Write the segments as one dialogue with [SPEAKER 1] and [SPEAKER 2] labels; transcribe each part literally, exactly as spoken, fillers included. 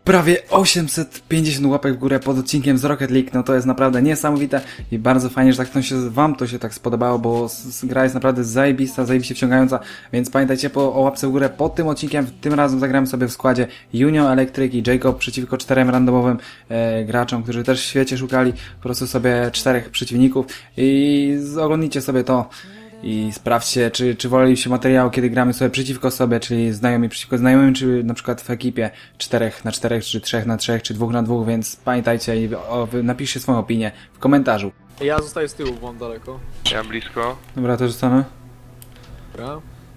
[SPEAKER 1] prawie osiemset pięćdziesiąt łapek w górę pod odcinkiem z Rocket League, no to jest naprawdę niesamowite i bardzo fajnie, że tak to się, wam to się tak spodobało, bo s- gra jest naprawdę zajebista, zajebiście wciągająca, więc pamiętajcie po, o łapce w górę pod tym odcinkiem. Tym razem zagramy sobie w składzie Junio, Electric i Jacob przeciwko czterem randomowym e, graczom, którzy też w świecie szukali po prostu sobie czterech przeciwników i z- oglądnijcie sobie to. I sprawdźcie, czy, czy woleliście materiał, kiedy gramy sobie przeciwko sobie, czyli znajomi przeciwko znajomym, czy na przykład w ekipie czterech na czterech, czy trzech na trzech, czy dwóch na dwóch, więc pamiętajcie i o, wy napiszcie swoją opinię w komentarzu.
[SPEAKER 2] Ja zostaję z tyłu, bo mam daleko.
[SPEAKER 3] Ja mam blisko.
[SPEAKER 1] Dobra, to zostanę.
[SPEAKER 2] Dobra.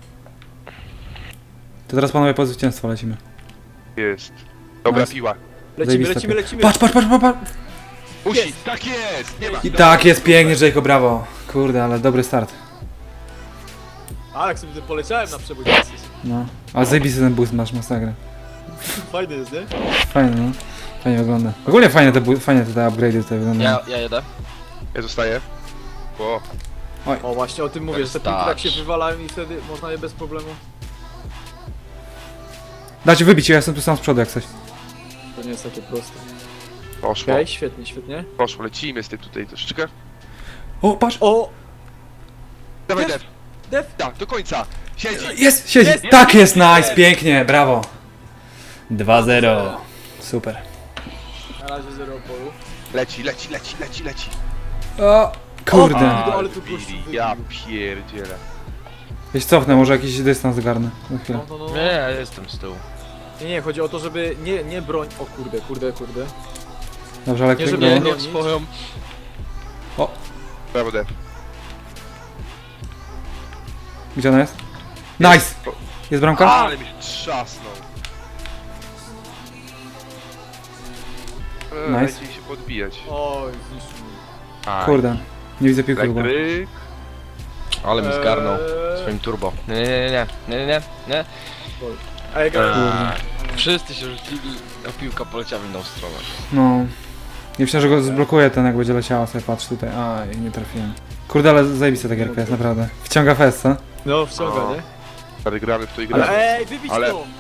[SPEAKER 1] To teraz panowie po zwycięstwo lecimy.
[SPEAKER 3] Jest. Dobra,
[SPEAKER 1] Nice.
[SPEAKER 3] piła.
[SPEAKER 2] Lecimy,
[SPEAKER 1] Zajebista
[SPEAKER 2] lecimy,
[SPEAKER 1] piła.
[SPEAKER 2] lecimy.
[SPEAKER 1] Patrz, patrz, patrz, patrz, patrz!
[SPEAKER 3] Musi,
[SPEAKER 2] Jest.
[SPEAKER 3] tak jest! Nie ma.
[SPEAKER 1] I tak jest pięknie, Jacob, brawo. Kurde, ale dobry start.
[SPEAKER 2] A, jak sobie poleciałem na przebój jesteś.
[SPEAKER 1] No. A zajebisty ten boost masz, masakra.
[SPEAKER 2] Fajny jest, nie?
[SPEAKER 1] Fajnie, no. Fajnie wygląda. Ogólnie fajnie te, bu- fajnie te, te upgrade'y tutaj wyglądają.
[SPEAKER 4] Ja, ja jedę.
[SPEAKER 3] Ja zostaję. O,
[SPEAKER 2] O, właśnie o tym mówię, że te piłki tak się
[SPEAKER 4] Stać.
[SPEAKER 2] wywalają i wtedy można je bez problemu.
[SPEAKER 1] Dajcie wybić, ja jestem tu sam z przodu jak coś.
[SPEAKER 2] To nie jest takie proste.
[SPEAKER 3] poszło.
[SPEAKER 2] Okej, świetnie, świetnie.
[SPEAKER 3] Poszło, lecimy z tym tutaj troszeczkę.
[SPEAKER 1] O, patrz!
[SPEAKER 2] O!
[SPEAKER 3] Dawaj,
[SPEAKER 2] Def.
[SPEAKER 3] Def.
[SPEAKER 2] Def!
[SPEAKER 3] Tak, do końca. Siedzi.
[SPEAKER 1] Jest, siedzi!
[SPEAKER 2] Jest,
[SPEAKER 1] Tak jest, nice, pięknie, brawo! dwa zero. Super.
[SPEAKER 2] Na razie zero polu.
[SPEAKER 3] Leci, leci, leci, leci, leci.
[SPEAKER 1] O, kurde.
[SPEAKER 2] A, ale tu gościu
[SPEAKER 3] Billy, ja
[SPEAKER 2] wybił.
[SPEAKER 3] pierdzielę.
[SPEAKER 1] Wiesz, cofnę, może jakiś dystans zgarnę. Na chwilę.
[SPEAKER 2] No, no, no.
[SPEAKER 4] Nie, ja jestem z tyłu.
[SPEAKER 2] Nie, nie, chodzi o to, żeby nie, nie broń... O kurde, kurde, kurde.
[SPEAKER 1] Dobrze, ale
[SPEAKER 2] Nie,
[SPEAKER 1] klik
[SPEAKER 2] żeby-
[SPEAKER 1] było.
[SPEAKER 2] nie,
[SPEAKER 4] Nie,
[SPEAKER 2] nie.
[SPEAKER 4] swoją.
[SPEAKER 3] Brawo, Def.
[SPEAKER 1] Gdzie ona jest? Nice! Jest bramka?
[SPEAKER 3] Ale mi trzasnął. Eee,
[SPEAKER 1] Nice.
[SPEAKER 3] Dajcie mi się podbijać.
[SPEAKER 2] Oj, zniszczył mnie.
[SPEAKER 3] Aj.
[SPEAKER 1] Kurde. Nie widzę piłki chyba.
[SPEAKER 3] Elektryk.
[SPEAKER 4] Ale mi zgarnął
[SPEAKER 2] Eee.
[SPEAKER 4] swoim turbo. Nie, nie, nie, nie, nie, nie, nie.
[SPEAKER 2] Ej, gra...
[SPEAKER 4] Eee, Wszyscy się rzucili, a piłka poleciała w inną stronę.
[SPEAKER 1] No. Nie myślę, że go zblokuje ten, jak będzie leciała, sobie patrz tutaj. Aj, nie trafiłem. Kurde, ale zajebista ta gierka jest, naprawdę. Wciąga fest, co?
[SPEAKER 2] No, wciąga,
[SPEAKER 3] O.
[SPEAKER 2] nie?
[SPEAKER 3] Ale gramy w to i gramy.
[SPEAKER 2] Ale ej, wybić
[SPEAKER 3] Ale-
[SPEAKER 2] to!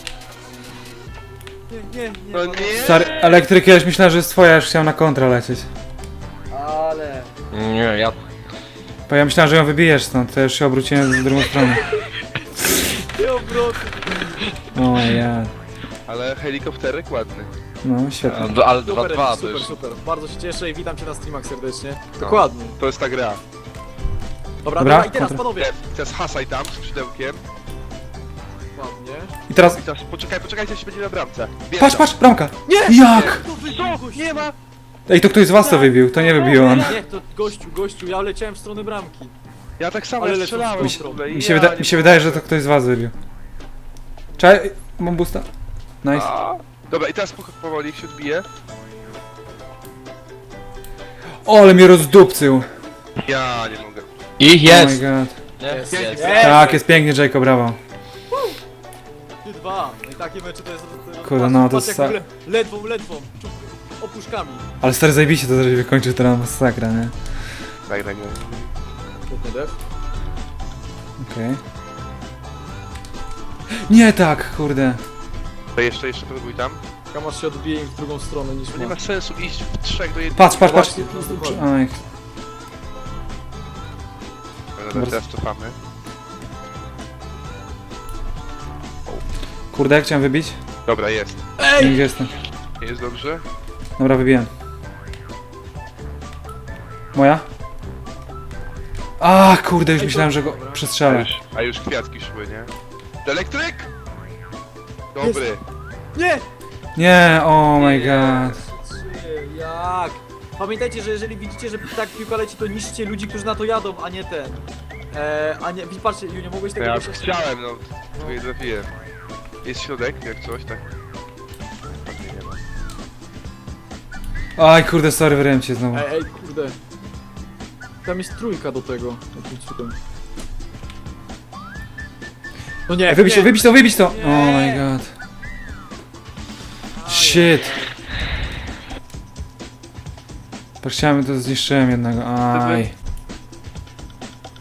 [SPEAKER 2] Nie, nie, nie.
[SPEAKER 3] No nie!
[SPEAKER 1] Stary, elektryk, ja już myślałem, że jest twoja, już chciałem na kontra lecieć.
[SPEAKER 2] Ale...
[SPEAKER 4] Nie, ja...
[SPEAKER 1] Bo ja myślałem, że ją wybijesz stąd, to już się obróciłem w drugą stronę.
[SPEAKER 2] Nie obroty.
[SPEAKER 1] O ja.
[SPEAKER 3] Ale helikopterek ładny.
[SPEAKER 1] No, świetnie.
[SPEAKER 4] A, Ale dwa
[SPEAKER 2] Super,
[SPEAKER 4] dwa to
[SPEAKER 2] super,
[SPEAKER 4] już...
[SPEAKER 2] super. Bardzo się cieszę i witam cię na streamach serdecznie. Dokładnie.
[SPEAKER 3] To jest ta gra.
[SPEAKER 2] Dobra,
[SPEAKER 1] Dobra,
[SPEAKER 2] dobra, i teraz
[SPEAKER 1] kontra.
[SPEAKER 2] panowie.
[SPEAKER 3] Def, teraz hasaj tam z skrzydełkiem.
[SPEAKER 2] Ładnie.
[SPEAKER 1] I teraz...
[SPEAKER 3] I teraz poczekaj, poczekajcie, aż się będzie na bramce. Wjeżdżam.
[SPEAKER 1] Patrz, patrz, bramka!
[SPEAKER 2] Nie!
[SPEAKER 1] Jak?
[SPEAKER 2] To wybił gościu.
[SPEAKER 3] Nie ma!
[SPEAKER 1] Ej, to ktoś z was to wybił, to nie wybił on.
[SPEAKER 2] Nie, to gościu, gościu, ja leciałem w stronę bramki.
[SPEAKER 3] Ja tak samo
[SPEAKER 2] Ale
[SPEAKER 3] ja
[SPEAKER 2] lecą
[SPEAKER 3] strzelałem.
[SPEAKER 2] w
[SPEAKER 3] Mi
[SPEAKER 2] stronę.
[SPEAKER 3] się,
[SPEAKER 1] Mi się, wyda mi się wydaje, że to ktoś z was wybił. Czekaj, mam boosta. Nice.
[SPEAKER 3] Dobra, i teraz po- powoli jak się odbije.
[SPEAKER 1] O, ale mnie rozdupcył.
[SPEAKER 3] Ja nie mogę.
[SPEAKER 4] Ich
[SPEAKER 1] Oh my
[SPEAKER 4] jest!
[SPEAKER 1] god.
[SPEAKER 4] Nie,
[SPEAKER 2] Jest,
[SPEAKER 4] jest.
[SPEAKER 2] jest.
[SPEAKER 1] Tak, jest pięknie, Jacob, brawo.
[SPEAKER 2] Ty dwa. No i takie mecze to jest... to-
[SPEAKER 1] Kurde, no to
[SPEAKER 2] patrz,
[SPEAKER 1] jest
[SPEAKER 2] jak w ogóle ledwą, ledwą. Czup, opuszkami.
[SPEAKER 1] Ale stary zajebiście to, że się wykończył teraz masakra, nie?
[SPEAKER 3] Daj, daj, daj.
[SPEAKER 2] Świetnie, def.
[SPEAKER 1] Okej. Nie tak, kurde.
[SPEAKER 3] To jeszcze, jeszcze próbuj tam.
[SPEAKER 2] Kamasz się odbije im w drugą stronę niż
[SPEAKER 3] To nie
[SPEAKER 2] ma.
[SPEAKER 3] ma sensu iść w trzech do jednego.
[SPEAKER 1] Patrz, patrz, patrz.
[SPEAKER 2] Właśnie, no dokładnie.
[SPEAKER 1] Oj.
[SPEAKER 3] Dobra, teraz cofamy.
[SPEAKER 1] Kurde, jak chciałem wybić?
[SPEAKER 3] Dobra, jest.
[SPEAKER 1] Nie, gdzie jestem?
[SPEAKER 3] Jest dobrze.
[SPEAKER 1] Dobra, wybiłem. Moja? A, kurde, już
[SPEAKER 2] Ej, to-
[SPEAKER 1] myślałem, że go
[SPEAKER 2] dobra.
[SPEAKER 3] A
[SPEAKER 1] przestrzelę.
[SPEAKER 3] już, a już kwiatki szły, nie? Elektryk! Dobry.
[SPEAKER 2] Nie!
[SPEAKER 1] Nie, oh my god.
[SPEAKER 2] Trzy, jak? Pamiętajcie, że jeżeli widzicie, że tak piłka leci, to niszczcie ludzi, którzy na to jadą, a nie ten. Eee, a nie, patrzcie, Junio, mogłeś tego
[SPEAKER 3] Ja
[SPEAKER 2] gościa-
[SPEAKER 3] chciałem, no. Tu nie trafiłem. Jest środek, jak coś, tak. Ładnie, nie ma.
[SPEAKER 1] Aj, kurde, sorry, wyryłem cię znowu.
[SPEAKER 2] Ej, ej, kurde. Tam jest trójka do tego. Jakim cudem. No nie,
[SPEAKER 1] Ej, wybić to,
[SPEAKER 2] nie.
[SPEAKER 1] wybić to, wybić to!
[SPEAKER 2] Nie.
[SPEAKER 1] Oh my god. Shit. To chciałem, to zniszczyłem jednego, aj.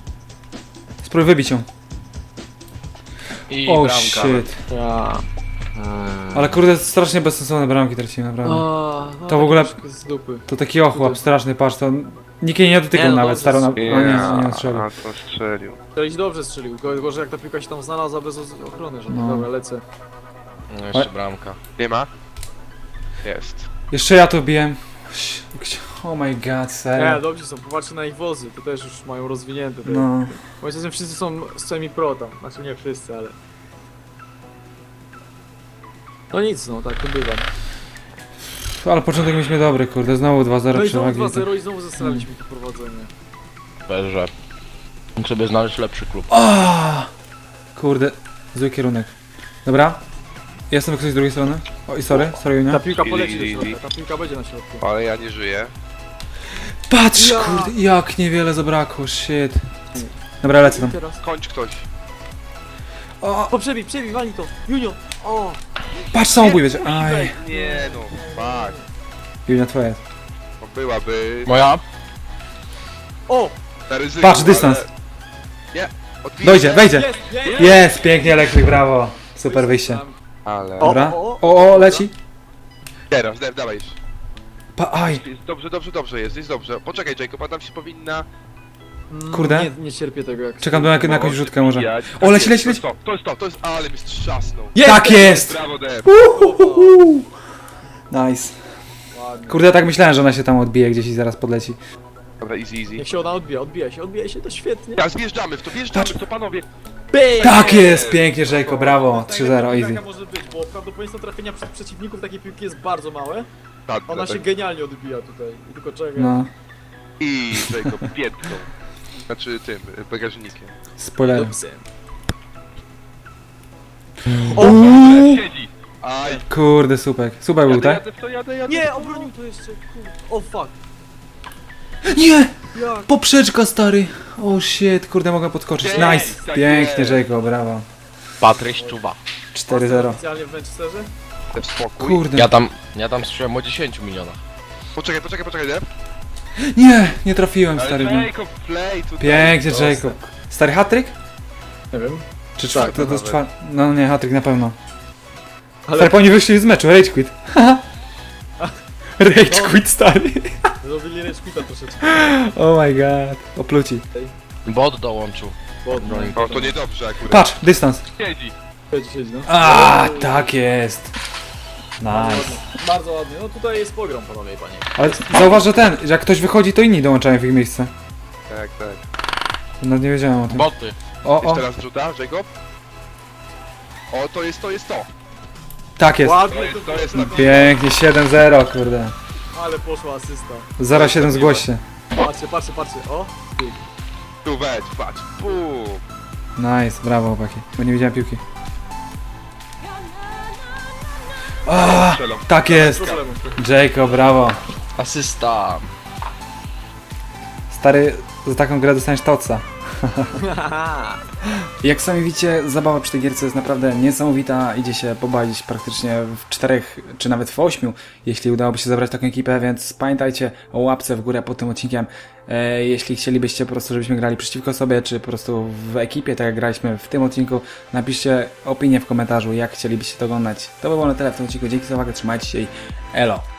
[SPEAKER 1] Spróbuj wybić ją.
[SPEAKER 4] I
[SPEAKER 1] Oh
[SPEAKER 4] bramka.
[SPEAKER 1] shit.
[SPEAKER 2] Ja.
[SPEAKER 1] Ale kurde, strasznie bezsensowne bramki tracimy, naprawdę.
[SPEAKER 2] O, no,
[SPEAKER 1] To w ogóle-
[SPEAKER 2] troszkę z dupy.
[SPEAKER 1] To taki ochłap straszny, patrz, to nikt jej nie dotykał
[SPEAKER 2] Nie, no
[SPEAKER 1] nawet,
[SPEAKER 2] dobrze
[SPEAKER 1] starą na...
[SPEAKER 2] strzelił.
[SPEAKER 1] O nie, nie strzelił.
[SPEAKER 3] a to strzelił.
[SPEAKER 2] Strzelić dobrze strzelił, tylko że jak ta piłka się tam znalazła bez o- ochrony, że
[SPEAKER 1] No.
[SPEAKER 2] dobra, lecę.
[SPEAKER 4] No jeszcze bramka.
[SPEAKER 3] Nie ma? Jest.
[SPEAKER 1] Jeszcze ja to biłem. Oh my god,
[SPEAKER 2] Nie,
[SPEAKER 1] serio.
[SPEAKER 2] dobrze są, popatrzcie na ich wozy, to też już mają rozwinięte. Te...
[SPEAKER 1] No.
[SPEAKER 2] Moim zdaniem wszyscy są semi-pro tam, znaczy nie wszyscy, ale... No nic, no tak to bywa.
[SPEAKER 1] Ale początek mieliśmy dobry, kurde, znowu dwa zero
[SPEAKER 2] No i znowu
[SPEAKER 1] przewagi.
[SPEAKER 2] dwa zero i znowu zastrzelaliśmy to prowadzenie.
[SPEAKER 4] Bez, że mógł sobie znaleźć lepszy klub.
[SPEAKER 1] O! Kurde, zły kierunek. Dobra. Jestem ktoś z drugiej strony. Oj, sorry, sorry,
[SPEAKER 2] Ta
[SPEAKER 1] Junia.
[SPEAKER 2] piłka poleci do
[SPEAKER 3] Easy, easy.
[SPEAKER 2] środka, ta piłka będzie na środku.
[SPEAKER 3] Ale ja nie żyję.
[SPEAKER 1] Patrz,
[SPEAKER 2] Ja.
[SPEAKER 1] kurde, jak niewiele zabrakło, shit. Dobra, lecę tam.
[SPEAKER 2] I teraz...
[SPEAKER 3] Kończ ktoś.
[SPEAKER 1] O,
[SPEAKER 2] O, przebij, przebij, wali to! Junio! O!
[SPEAKER 1] patrz, samobój będzie. Aj.
[SPEAKER 3] Nie no, fuck.
[SPEAKER 1] Junia, twoja jest.
[SPEAKER 3] No byłaby
[SPEAKER 4] Moja?
[SPEAKER 2] O!
[SPEAKER 3] na ryzyku,
[SPEAKER 1] Patrz, dystans.
[SPEAKER 3] ale... Nie, odbij
[SPEAKER 1] Dojdzie,
[SPEAKER 3] się.
[SPEAKER 1] wejdzie.
[SPEAKER 2] Jest, jest!
[SPEAKER 1] Jest, pięknie, elektryk, brawo. Super wyjście.
[SPEAKER 3] Ale...
[SPEAKER 2] O.
[SPEAKER 1] Dobra. O, o, leci.
[SPEAKER 3] Teraz, da- dawaj.
[SPEAKER 1] Pa, aj.
[SPEAKER 3] Jest dobrze, dobrze, dobrze jest, jest dobrze. Poczekaj Jacob, a tam się powinna...
[SPEAKER 2] Mm,
[SPEAKER 1] Kurde.
[SPEAKER 2] Nie, nie cierpię tego jak...
[SPEAKER 1] Czekam na, na jakąś
[SPEAKER 3] No,
[SPEAKER 1] rzutkę może.
[SPEAKER 3] wbijać.
[SPEAKER 1] O, leci,
[SPEAKER 3] Tak
[SPEAKER 1] leci,
[SPEAKER 3] jest,
[SPEAKER 1] leci.
[SPEAKER 3] To jest to, to jest to, to jest... Ale mi strzasnął.
[SPEAKER 1] Tak jest!
[SPEAKER 3] Brawo, Dev.
[SPEAKER 1] Uhuhu. Nice.
[SPEAKER 2] Ładnie.
[SPEAKER 1] Kurde, ja tak myślałem, że ona się tam odbije gdzieś i zaraz podleci.
[SPEAKER 3] Dobra, easy, easy.
[SPEAKER 2] Niech się ona odbija, odbija się, odbija się, to świetnie.
[SPEAKER 3] Tak, wjeżdżamy w to, wjeżdżamy w to, panowie.
[SPEAKER 2] Bang!
[SPEAKER 1] Tak jest, pięknie, Jacob, brawo. trzy zero,
[SPEAKER 2] Najlepiej
[SPEAKER 1] easy.
[SPEAKER 2] taka może być, bo prawdopodobieństwo trafienia przez przeciwników takiej piłki jest bardzo małe.
[SPEAKER 3] Tak,
[SPEAKER 2] Ona
[SPEAKER 3] tak.
[SPEAKER 2] się genialnie odbija tutaj. I tylko czeka.
[SPEAKER 1] No,
[SPEAKER 3] I Jacob, piętką. Znaczy tym, bagażnikiem.
[SPEAKER 1] spoiler.
[SPEAKER 2] Dobrze.
[SPEAKER 3] O,
[SPEAKER 1] Uuu.
[SPEAKER 3] siedzi. Aj.
[SPEAKER 1] Kurde, supek. Supek był,
[SPEAKER 3] Jadę,
[SPEAKER 1] tak?
[SPEAKER 3] jadę w to, jadę, jadę.
[SPEAKER 2] Nie, obronił to jeszcze, kurde. O fuck.
[SPEAKER 1] Nie!
[SPEAKER 2] Jak?
[SPEAKER 1] Poprzeczka, stary. O shit, kurde, mogę podskoczyć.
[SPEAKER 3] Jest,
[SPEAKER 1] Nice.
[SPEAKER 3] tak
[SPEAKER 1] Pięknie,
[SPEAKER 3] jest.
[SPEAKER 1] Jacob, brawo.
[SPEAKER 4] Patryś Czuba.
[SPEAKER 1] cztery zero.
[SPEAKER 2] Oficjalnie w Manchesterze?
[SPEAKER 3] Daj spokój.
[SPEAKER 1] Kurde.
[SPEAKER 4] Ja tam, ja tam słyszałem o dziesięciu milionach.
[SPEAKER 3] Poczekaj, poczekaj, poczekaj, Dev.
[SPEAKER 1] Nie, nie trafiłem, stary.
[SPEAKER 3] Ale Jacob, play tutaj.
[SPEAKER 1] Pięknie,
[SPEAKER 3] Proste.
[SPEAKER 1] Jacob. Stary hat-trick?
[SPEAKER 2] Nie wiem.
[SPEAKER 1] Czy
[SPEAKER 2] Tak,
[SPEAKER 1] czwarty? to, to jest
[SPEAKER 3] nawet.
[SPEAKER 1] czwarty. No nie, hat-trick na pewno.
[SPEAKER 2] Ale
[SPEAKER 1] Stary, oni wyszli z meczu, rage quit. Rage
[SPEAKER 2] No.
[SPEAKER 1] quit, stary.
[SPEAKER 2] zrobili reszpita troszeczkę.
[SPEAKER 1] Oh my god. Opluci.
[SPEAKER 4] Bot dołączył.
[SPEAKER 2] Ładnie.
[SPEAKER 3] O, to niedobrze akurat.
[SPEAKER 1] Patrz, dystans.
[SPEAKER 3] Siedzi.
[SPEAKER 2] Siedzi, siedzi, no.
[SPEAKER 1] A, tak jest.
[SPEAKER 2] Bardzo
[SPEAKER 1] Nice.
[SPEAKER 2] ładnie. Bardzo ładnie. No tutaj jest pogrom, panowie i panie.
[SPEAKER 1] Ale zauważ, że ten, że jak ktoś wychodzi, to inni dołączają w ich miejsce.
[SPEAKER 3] Tak, tak.
[SPEAKER 1] No nie wiedziałem o tym.
[SPEAKER 4] Boty.
[SPEAKER 1] O, o,
[SPEAKER 3] Jeszcze raz rzuta, Jacob. O, to jest, to jest to.
[SPEAKER 1] tak jest.
[SPEAKER 3] To
[SPEAKER 2] Ładnie
[SPEAKER 3] jest,
[SPEAKER 2] to
[SPEAKER 3] to jest
[SPEAKER 2] było.
[SPEAKER 3] na
[SPEAKER 1] Pięknie, siedem zero, kurde.
[SPEAKER 2] Ale poszła asysta.
[SPEAKER 1] zero siedem zgłoś się.
[SPEAKER 2] Patrzcie, patrzcie, patrzcie. O! Pyk.
[SPEAKER 3] Tu weź, patrz. Bum.
[SPEAKER 1] Nice, brawo chłopaki. Bo nie widziałem piłki. A,
[SPEAKER 3] Strzelą.
[SPEAKER 1] tak jest.
[SPEAKER 2] Problemu.
[SPEAKER 1] Jacob, brawo.
[SPEAKER 4] Asysta.
[SPEAKER 1] Stary, za taką grę dostaniesz toca. Jak sami widzicie, zabawa przy tej gierce jest naprawdę niesamowita. Idzie się pobawić praktycznie w czterech, czy nawet w ośmiu, jeśli udałoby się zebrać taką ekipę, więc pamiętajcie o łapce w górę pod tym odcinkiem. E, jeśli chcielibyście po prostu, żebyśmy grali przeciwko sobie, czy po prostu w ekipie, tak jak graliśmy w tym odcinku, napiszcie opinię w komentarzu, jak chcielibyście to oglądać. To by było na tyle w tym odcinku. Dzięki za uwagę, trzymajcie się i elo!